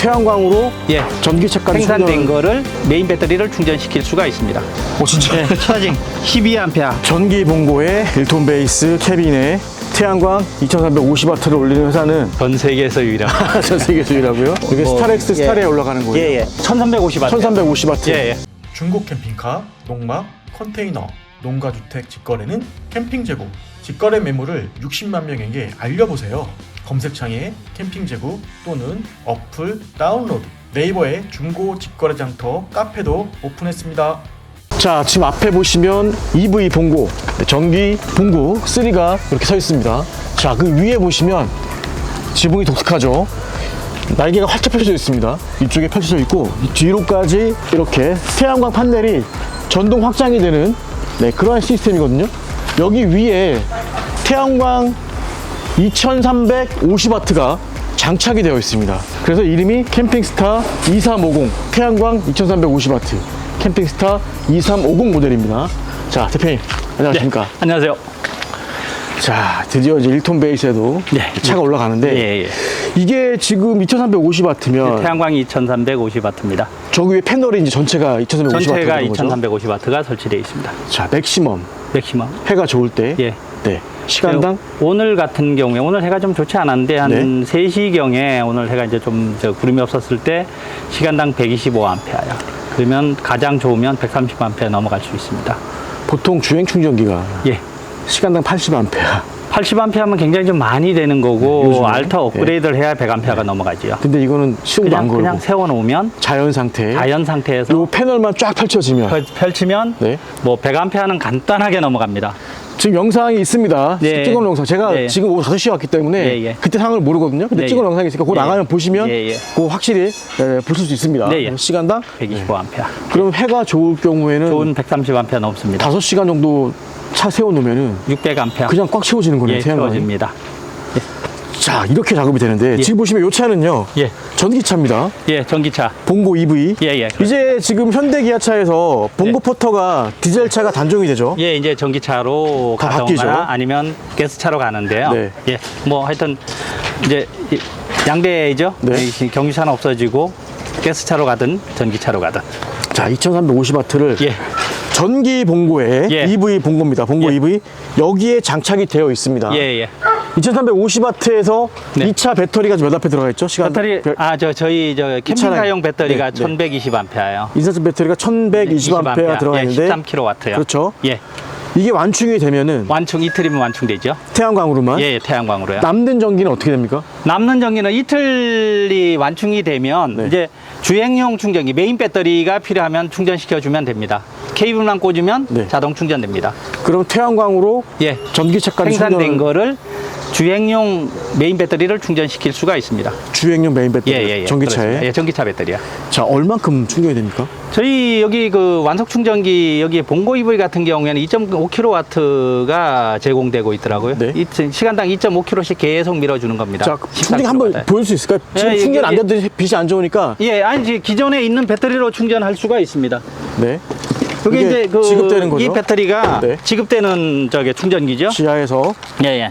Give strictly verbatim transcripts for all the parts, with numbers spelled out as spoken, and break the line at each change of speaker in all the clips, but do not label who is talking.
태양광으로
예,
전기차까지
생산된
충전을-
거를 메인 배터리를 충전시킬 수가 있습니다.
오 진짜.
예, 차징 십이 암페어.
전기 봉고에 일 톤 베이스 캐빈에 태양광 이천삼백오십 와트를 올리는 회사는
전 세계에서 유일한.
전 세계에서 유일하고요. 이게
뭐,
스타렉스
예.
스타레에 올라가는 거예요.
예, 예. 천삼백오십 와트.
천삼백오십 와트.
예, 예.
중고 캠핑카, 농막, 컨테이너, 농가주택 직거래는 캠핑 재고, 직거래 매물을 육십만 명에게 알려보세요. 검색창에 캠핑 재고 또는 어플 다운로드, 네이버에 중고 직거래 장터 카페도 오픈했습니다.
자, 지금 앞에 보시면 이브이 봉고, 네, 전기 봉고 삼가 이렇게 서 있습니다. 자, 그 위에 보시면 지붕이 독특하죠. 날개가 활짝 펼쳐져 있습니다. 이쪽에 펼쳐져 있고 이 뒤로까지 이렇게 태양광 판넬이 전동 확장이 되는 네, 그러한 시스템이거든요. 여기 위에 태양광 이천삼백오십 와트가 장착이 되어 있습니다. 그래서 이름이 캠핑스타 이삼오공 태양광 이천삼백오십 와트 캠핑스타 이삼오공 모델입니다. 자, 대표님 안녕하십니까?
네, 안녕하세요.
자, 드디어 이제 일 톤 베이스에도
네.
차가 올라가는데
예, 예.
이게 지금 이천삼백오십 와트면
태양광이 이천삼백오십 와트입니다.
저기 위에 패널이 이제 전체가 이천삼백오십 와트
전체가
되는 거죠?
이천삼백오십 와트가 설치되어 있습니다.
자, 맥시멈
맥시멈.
해가 좋을 때
예.
네. 시간당
오늘 같은 경우에 오늘 해가 좀 좋지 않았는데 한
네.
세 시경에 오늘 해가 이제 좀 저 구름이 없었을 때 시간당 백이십오 암페어야. 그러면 가장 좋으면 백삼십 암페어 넘어갈 수 있습니다.
보통 주행 충전기가
예.
시간당 팔십 암페어.
팔십 암페어면 굉장히 좀 많이 되는 거고
요즘에?
알타 업그레이드를 해야 백 암페어가 넘어가지요.
근데 이거는 시동도 안
그냥
걸고
그냥 세워 놓으면
자연 상태.
자연 상태에서
요 패널만 쫙 펼쳐지면
펼- 펼치면
네.
뭐 백 암페어는 간단하게 넘어갑니다.
지금 영상이 있습니다.
네.
찍어놓은 영상. 제가
네.
지금 오후 다섯 시에 왔기 때문에
네, 예.
그때 상황을 모르거든요. 근데
네,
찍어놓은
예.
영상이 있으니까 그거
네.
나가면 보시면
예, 예.
그거 확실히 네, 보실 수 있습니다.
네, 예.
시간당
백이십오 암페어.
그럼 해가 좋을 경우에는
좋은 백삼십 암페어 넘습니다.
다섯 시간 정도 차 세워놓으면은
육백 암페어.
그냥 꽉 채워지는 거네요.
예,
태양광이.
채워집니다.
자, 이렇게 작업이 되는데
예.
지금 보시면 이 차는요.
예.
전기차입니다.
예, 전기차.
봉고 이브이.
예, 예.
이제 지금 현대 기아차에서 봉고
예.
포터가 디젤 차가 단종이 되죠.
예, 이제 전기차로
다
가거나
바뀌죠.
아니면 가스차로 가는데요.
네.
예, 뭐 하여튼 이제 이- 양대이죠.
네.
이 경유차는 없어지고 가스차로 가든 전기차로 가든.
자, 이천삼백오십 와트를
예,
전기 봉고에
예.
이브이 봉고입니다. 봉고
예.
이브이 여기에 장착이 되어 있습니다.
예, 예.
이천삼백오십 와트에서
네.
이 차 배터리가 몇 암페어 들어가 있죠? 시간
배터리 아 저 저희 저 캠핑카용 배터리가
네, 네.
천백이십 암페어예요.
인산철 배터리가 천백이십 암페어 들어가 있는데
예, 십삼 킬로와트요.
그렇죠.
예,
이게 완충이 되면은
완충 이틀이면 완충되죠.
태양광으로만
예, 예, 태양광으로요.
남는 전기는 어떻게 됩니까?
남는 전기는 이틀이 완충이 되면
네.
이제 주행용 충전기 메인 배터리가 필요하면 충전시켜 주면 됩니다. 케이블만 꽂으면
네.
자동 충전됩니다.
그럼 태양광으로
예,
전기차까지
생산된
충전을-
거를 주행용 메인 배터리를 충전시킬 수가 있습니다.
주행용 메인 배터리
예, 예, 예.
전기차에
그렇습니다. 예, 전기차 배터리야.
자, 얼만큼 충전이 됩니까?
저희 여기 그 완속 충전기 여기 봉고 이브이 같은 경우에는 이점오 킬로와트가 제공되고 있더라고요.
네.
이, 시간당 이점오 킬로와트씩 계속 밀어주는 겁니다.
자,
십삼
충전 한번
킬로와트.
보여줄 수 있을까요? 지금
예,
충전 안
이게-
되는데 빛이 안 좋으니까
예, 아니 이제 기존에 있는 배터리로 충전할 수가 있습니다.
네.
여기
이게
이제 그
지급되는 거죠?
이 배터리가
네.
지급되는 저게 충전기죠.
지하에서
예, 예.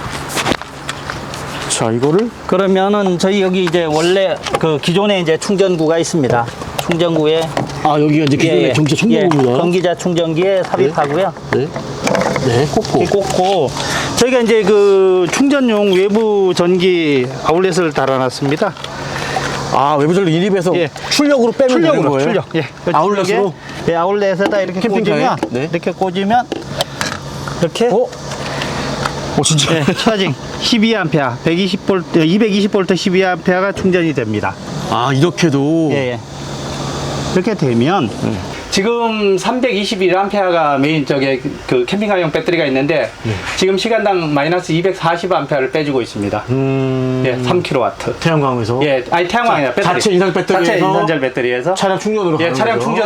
자, 이거를
그러면은 저희 여기 이제 원래 그 기존에 이제 충전구가 있습니다. 충전구에
아, 여기가 이제 기존의
예, 예.
전기차
예,
충전구입니다.
전기차 충전기에 삽입하고요.
네. 네, 꽂고.
이렇게 꽂고 저희가 이제 그 충전용 외부 전기 아울렛을 달아놨습니다.
아, 외부 전력 인입해서
예.
출력으로 빼면 되는
출력으로
거예요?
출력. 예. 그
아울렛으로?
출력에, 예, 아울렛에다 이렇게
캠핑카에?
꽂으면
네.
이렇게 꽂으면 이렇게
어? 어, 진짜.
예, 차징 십이 암페어, 백이십 볼트, 이백이십 볼트 십이 암페어가 충전이 됩니다.
아, 이렇게도.
예, 예. 이렇게 되면 지금 삼백이십일 암페어가 메인 쪽에 그 캠핑카용 배터리가 있는데 지금 시간당 마이너스 이백사십 암페어를 빼주고 있습니다.
음.
예, 삼 킬로와트.
태양광에서
예, 아니 태양광이 아니라 배터리.
자체 인산 배터리에서
자체 인산철 배터리에서
차량 충전으로
예,
가는
차량
거죠?
충전으로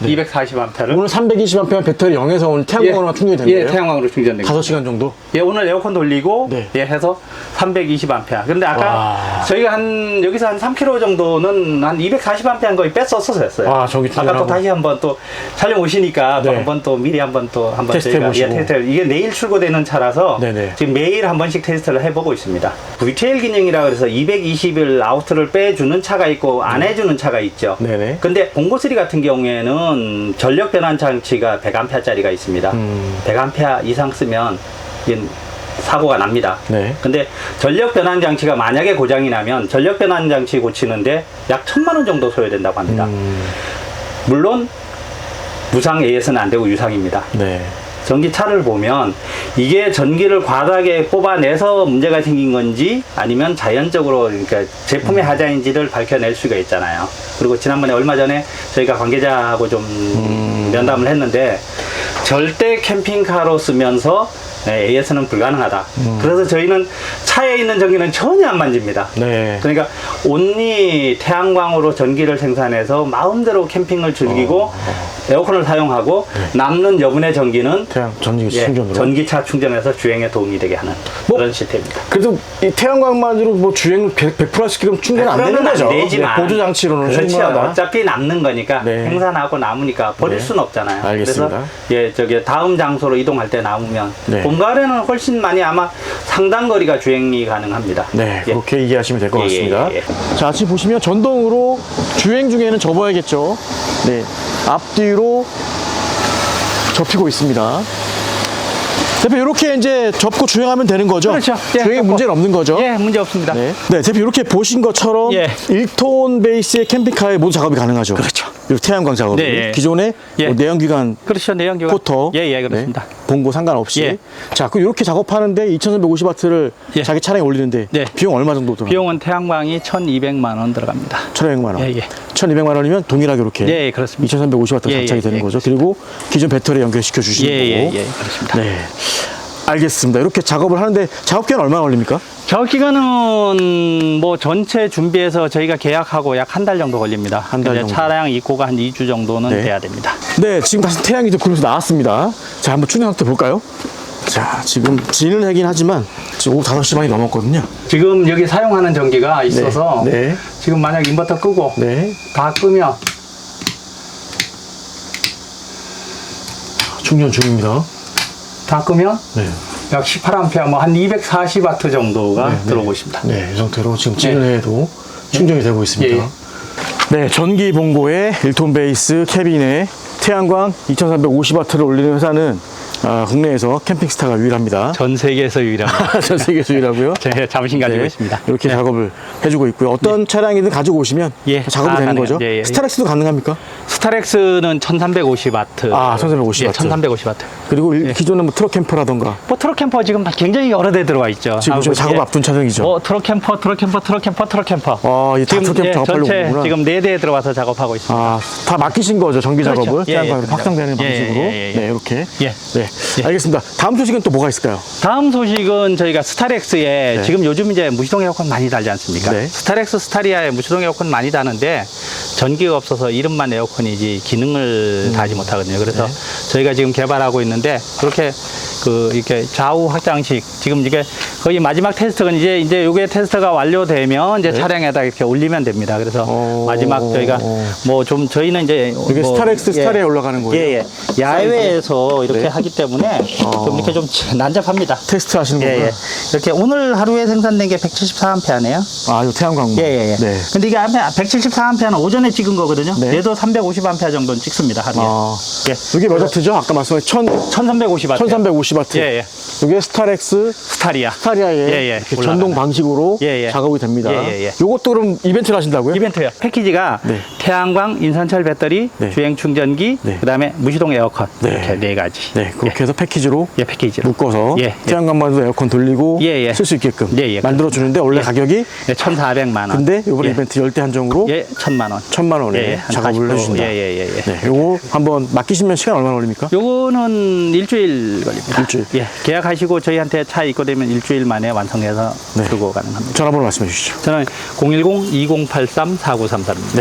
이백사십 암페어를
오늘 삼백이십 암페어 배터리 영에서 오늘 태양광으로 충전이 된
예,
거예요?
태양광으로 충전된
다섯
거예요.
시간 정도?
예, 오늘 에어컨 돌리고
네.
예, 해서 삼백이십 암페어. 근데 아까
와.
저희가 한 여기서 한 삼 킬로미터 정도는 한 이백사십 암페어 거의 뺐었어서 했어요.
아, 저기
아까 또
충전하고.
다시 한번 또 촬영 오시니까 또
네.
한번 또 미리 한번 또 한번
테스트
저희가
해보시고.
예, 테스트 이게 내일 출고되는 차라서
네네.
지금 매일 한 번씩 테스트를 해보고 있습니다. 브이티엘 기능이라 그래서 이백이십 일 아우트를 빼주는 차가 있고 안 해주는 차가 있죠.
네네.
근데 봉고쓰리 같은 경우에는 전력 변환 장치가 백 암페어짜리가 있습니다.
음.
백 암페어 이상 쓰면 이게 사고가 납니다.
네.
근데 전력 변환 장치가 만약에 고장이 나면 전력 변환 장치 고치는데 약 천만 원 정도 소요된다고 합니다.
음.
물론 무상 에이에스는 안 되고 유상입니다.
네.
전기차를 보면 이게 전기를 과다하게 뽑아내서 문제가 생긴 건지 아니면 자연적으로 그러니까 제품의 하자인지를 밝혀낼 수가 있잖아요. 그리고 지난번에 얼마 전에 저희가 관계자하고 좀 면담을 했는데 절대 캠핑카로 쓰면서 에이에스는 불가능하다. 그래서 저희는 차에 있는 전기는 전혀 안 만집니다.
네.
그러니까 온리 태양광으로 전기를 생산해서 마음대로 캠핑을 즐기고
어.
에어컨을 사용하고 남는 여분의 전기는
태양 전기
예,
충전으로.
전기차 충전해서 주행에 도움이 되게 하는
뭐?
그런 시스템입니다.
그래도 이 태양광만으로 뭐 주행 백 퍼센트 충전 안 되는 거죠?
되지만
네, 보조 장치로는
그렇죠.
충분하다.
어차피 남는 거니까
네.
생산하고 남으니까 버릴
네.
수는 없잖아요.
알겠습니다.
그래서 예, 저기 다음 장소로 이동할 때 남으면
네.
봄 가을에는 훨씬 많이 아마 상당 거리가 주행이 가능합니다.
네,
예.
그렇게 이해하시면 될 것
예,
같습니다.
예, 예.
자, 지금 보시면 전동으로 주행 중에는 접어야겠죠. 네, 앞뒤로 접히고 있습니다. 대표 이렇게 이제 접고 주행하면 되는 거죠?
그렇죠. 예,
주행에
접고.
문제는 없는 거죠?
예, 문제 없습니다.
네. 네, 대표 이렇게 보신 것처럼
예.
일 톤 베이스의 캠핑카에 모두 작업이 가능하죠?
그렇죠.
이렇게 태양광 작업이.
네, 예.
기존의
예.
뭐 내연기관
그렇죠. 내연기관.
포터.
예, 예, 그렇습니다.
네, 봉고 상관없이.
예.
자, 그 이렇게 작업하는데 이천삼백오십 와트를
예.
자기 차량에 올리는데
네.
비용 얼마 정도 들어요?
비용은 태양광이 천이백만 원 들어갑니다.
천이백만 원.
예, 예.
천이백만 원이면 동일하게 이렇게
예, 예, 그렇습니다.
이천삼백오십 와트가
예,
장착이
예,
되는
예,
거죠. 그리고 기존 배터리 연결시켜 주시는
예, 예,
거고.
예, 그렇습니다.
네. 알겠습니다. 이렇게 작업을 하는데 작업 기간 얼마나 걸립니까?
작업 기간은 뭐 전체 준비해서 저희가 계약하고 약 한 달 정도 걸립니다.
한달
이제
정도.
차량 입고가 한 이 주 정도는
네.
돼야 됩니다.
네, 지금 다시 태양이 좀 그룹에서 나왔습니다. 자, 한번 충전 상태 볼까요? 자, 지금 진을 하긴 하지만 지금 오후 다섯 시 반이 넘었거든요.
지금 여기 사용하는 전기가 있어서
네.
지금 만약 인버터 끄고
네.
다 끄면
충전 중입니다.
다 끄면
네.
약 십팔 암페어 뭐 한 이백사십 와트 정도가
네, 네.
들어오고 있습니다.
네, 이 상태로 지금 진을 해도 충전이 되고 있습니다.
예, 예.
네, 전기 봉고에 일 톤 베이스 캐빈에 태양광 이천삼백오십 와트를 올리는 회사는 아, 국내에서 캠핑스타가 유일합니다.
전 세계에서 유일합니다.
전 세계에서 유일하고요.
제가 자부심 가지고
네,
있습니다.
이렇게
네.
작업을 해주고 있고요. 어떤 차량이든 가지고 오시면
예.
작업이
아,
되는
가능해요.
거죠.
예, 예.
스타렉스도 가능합니까?
스타렉스는 천삼백오십 와트.
아, 천삼백오십 와트.
예, 천삼백오십 와트.
그리고 일-
예.
기존의 뭐 트럭 캠퍼라던가
뭐 트럭 캠퍼 지금 굉장히 여러 대 들어와 있죠.
지금
아,
좀
뭐,
작업
예.
앞둔 차량이죠.
뭐 트럭 캠퍼, 트럭 캠퍼, 트럭 캠퍼, 트럭 캠퍼.
아, 이다 트럭 캠퍼
예,
작업하려고
전체
오는구나.
지금 네 대 들어와서 작업하고 있습니다.
아, 다 맡기신 거죠, 전기
그렇죠.
작업을.
예,
태양광으로
예,
확장되는
예,
방식으로.
예, 예, 예.
네, 이렇게.
예.
네,
예.
알겠습니다. 다음 소식은 또 뭐가 있을까요?
다음 소식은 저희가 스타렉스에
네.
지금 요즘 이제 무시동 에어컨 많이 달지 않습니까?
네.
스타렉스 스타리아에 무시동 에어컨 많이 다는데 전기가 없어서 이름만 에어컨이지 기능을
음.
다하지 못하거든요. 그래서
네.
저희가 지금 개발하고 있는데 그렇게 그 이렇게 좌우 확장식 지금 이게 거의 마지막 테스트가 이제 이제 요게 테스트가 완료되면 이제
네.
차량에다 이렇게 올리면 됩니다. 그래서
오.
마지막 저희가 뭐 좀 저희는 이제
이게
뭐
스타렉스
예.
스타리아에 올라가는 거예요?
예, 예. 야외에서 이렇게
네.
하기 때문에
어.
좀 이렇게 좀 난잡합니다.
테스트 하시는
예,
거구나.
예. 이렇게 오늘 하루에 생산된 게 백칠십사 암페어네요.
아, 이 태양광.
예, 예, 예.
네.
근데 이게 암페어, 백칠십사 암페어는 오전에 찍은 거거든요.
네.
얘도 삼백오십 암페어 정도는 찍습니다, 하루에.
아,
예.
이게 몇 와트죠? 아까 말씀하신 천,
천삼백오십 와트.
천삼백오십 와트.
예, 예.
이게 스타렉스
스타리아.
스타리아에
예, 예.
이렇게
올라가는.
전동 방식으로
예, 예.
작업이 됩니다.
예, 예, 예.
요것도 그럼 이벤트를 하신다고요?
이벤트요. 패키지가
네.
태양광, 인산철 배터리,
네.
주행 충전기,
네.
그다음에 무시동 에어컨
네.
이렇게 네 가지.
네, 그렇게 해서 패키지로
예, 패키지로.
묶어서
예, 예.
태양광만도 에어컨 돌리고
예, 예.
쓸 수 있게끔
예, 예.
만들어 주는데 원래
예.
가격이
예, 천사백만 원.
근데 이번에
예.
이벤트 열대 한정으로
예, 천만 원.
천만 원에
예, 예. 한
작업을
사십 퍼센트.
해주신다.
예, 예, 예, 예.
네, 요거 한번 맡기시면 시간 얼마나 걸립니까?
요거는 일주일 걸립니다.
일주일.
예. 계약하시고 저희한테 차 입고되면 일주일 만에 완성해서
네.
출고 가능합니다.
전화번호 말씀해 주시죠.
저는 공일공 이공팔삼 사구삼삼입니다.
네, 알겠습니다.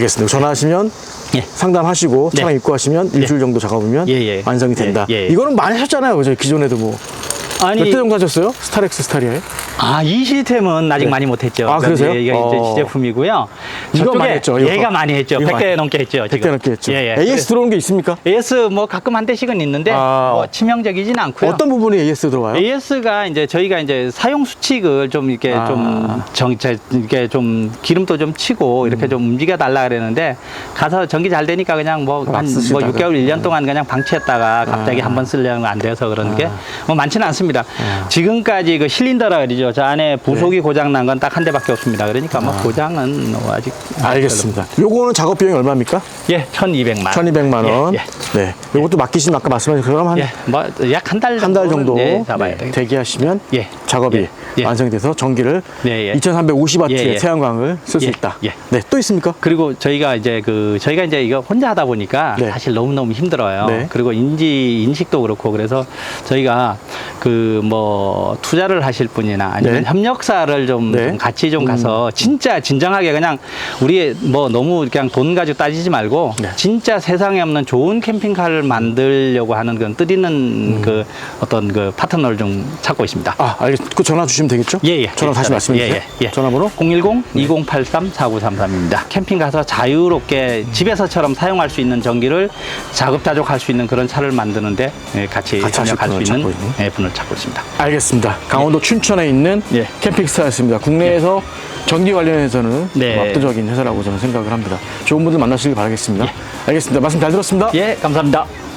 알겠습니다. 전화하시면
예.
상담하시고 차량
네.
입고하시면 일주일 정도 작업이면
예, 예.
완성이 된다.
예, 예.
이거는 많이 하셨잖아요. 그죠? 기존에도 뭐.
아니,
몇 대 정도 하셨어요? 스타렉스 스타리아에?
아, 이 시스템은 아직
네.
많이 못했죠.
아, 그러세요?
이게
어.
이제 시제품이고요.
이거
저쪽에
많이 했죠, 이거.
얘가 많이 했죠.
이거
백 대
많이-
넘게 했죠.
백 대 넘게 했죠.
예, 예.
에이에스 들어오는 게 있습니까?
에이에스 뭐 가끔 한 대씩은 있는데
아.
뭐 치명적이진 않고요.
어떤 부분이 에이에스 들어가요?
에이에스가 이제 저희가 이제 사용 수칙을 좀 이렇게
아.
좀 정, 제- 이렇게 좀 기름도 좀 치고 이렇게
음.
좀 움직여 달라 그랬는데 가서 전기 잘 되니까 그냥 뭐
막
한 뭐
쓰시다가.
육 개월, 일 년 동안 그냥 방치했다가 갑자기
아.
한번 쓰려면 안 돼서 그런 게 뭐 많지는 않습니다. 지금까지 그 실린더라 그러죠. 저 안에 부속이
네.
고장 난 건 딱 한 대밖에 없습니다. 그러니까 뭐 고장은 뭐 아직
알겠습니다. 요거는 작업 비용이 얼마입니까?
예, 천이백만 원.
천이백만 원.
예,
네. 요것도 맡기시면 아까 말씀하신 그럼 한
예. 예, 뭐 약 한 달
한 달 정도
예, 잡아야
네,
돼.
대기하시면
예.
작업이
예. 예.
완성이 돼서 전기를
예, 예.
이천삼백오십 와트의
예, 예.
태양광을 쓸 수
예,
있다.
예.
네, 또 있습니까?
그리고 저희가 이제 그 저희가 이제 이거 혼자 하다 보니까
네.
사실 너무 너무 힘들어요.
네.
그리고 인지 인식도 그렇고 그래서 저희가 그 뭐 투자를 하실 분이나 아니면
네.
협력사를 좀,
네.
좀 같이 좀 가서 진짜 진정하게 그냥 우리 뭐 너무 그냥 돈 가지고 따지지 말고
네.
진짜 세상에 없는 좋은 캠핑카를 만들려고 하는 그런 뜨리는 그 어떤 그 파트너를 좀 찾고 있습니다.
아, 알겠습니다. 그 전화 주시면 되겠죠?
예, 예.
전화
예,
다시
전화.
말씀해
예,
주세요.
예, 예.
전화번호?
공일공 이공팔삼 사구삼삼입니다. 캠핑 가서 자유롭게 집에서처럼 사용할 수 있는 전기를 자급자족할 수 있는 그런 차를 만드는데 예, 같이
같이 하실
협력할 수
분을
있는
찾고 있는.
예, 분을 찾고 있습니다.
알겠습니다. 강원도 춘천에 있는
예.
캠핑스타였습니다. 국내에서 전기 관련해서는
네.
좀 압도적인 회사라고 저는 생각을 합니다. 좋은 분들 만나시길 바라겠습니다. 알겠습니다. 말씀 잘 들었습니다.
예, 감사합니다.